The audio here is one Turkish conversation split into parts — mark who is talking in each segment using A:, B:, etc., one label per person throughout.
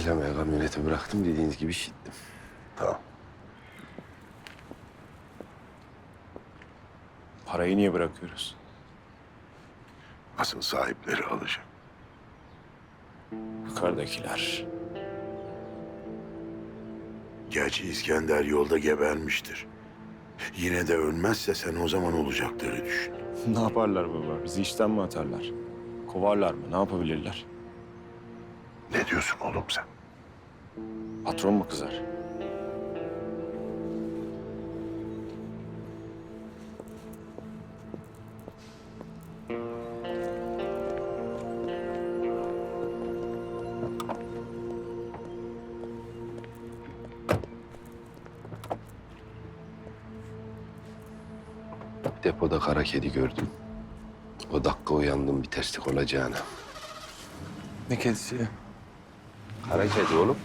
A: Plamayı kamyonete bıraktım, dediğiniz gibi şittim.
B: Tamam.
C: Parayı niye bırakıyoruz?
B: Asıl sahipleri alacak.
C: Yukarıdakiler.
B: Gerçi İskender yolda gebermiştir. Yine de ölmezse sen o zaman olacakları düşün.
C: Ne yaparlar baba? Bizi işten mi atarlar? Kovarlar mı? Ne yapabilirler?
B: Ne diyorsun oğlum sen?
C: Patron mu kızar?
A: Depoda kara kedi gördüm. O dakika uyandım bir terslik olacağına.
D: Ne kedisi ya?
A: Kara kedi oğlum.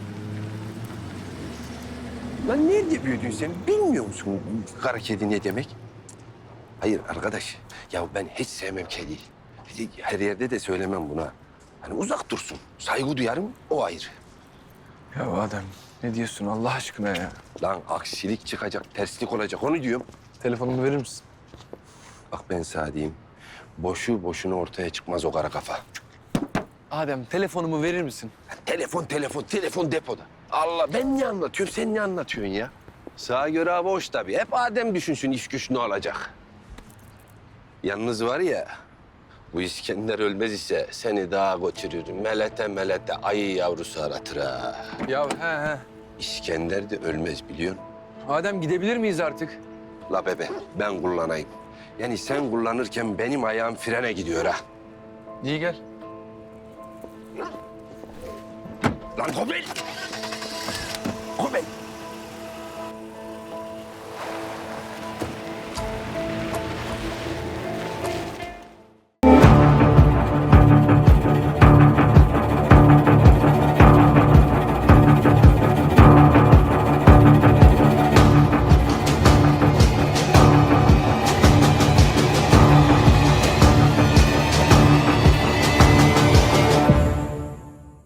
A: Lan nerede büyüdün sen? Bilmiyor musun kara kedi ne demek? Hayır arkadaş, ya ben hiç sevmem kediyi. Her yerde de söylemem buna. Hani uzak dursun, saygı duyarım, o ayrı.
D: Ya Adem ne diyorsun Allah aşkına ya?
A: Lan aksilik çıkacak, terslik olacak, onu diyorum.
D: Telefonumu verir misin?
A: Bak ben sana diyeyim, boşu boşuna ortaya çıkmaz o kara kafa.
D: Adem telefonumu verir misin?
A: Telefon depoda. Allah, ben ne anlatıyorum, sen ne anlatıyorsun ya? Sağa göre hava hoş tabii. Hep Adem düşünsün iş güç ne olacak. Yalnız var ya, bu İskender ölmez ise seni dağa götürür. Melete ayı yavrusu aratır ha.
D: Ya he.
A: İskender de ölmez biliyorsun.
D: Adem gidebilir miyiz artık?
A: La bebe, ben kullanayım. Yani sen kullanırken benim ayağım frene gidiyor ha.
D: İyi gel.
A: Lan Kobel! Kobel!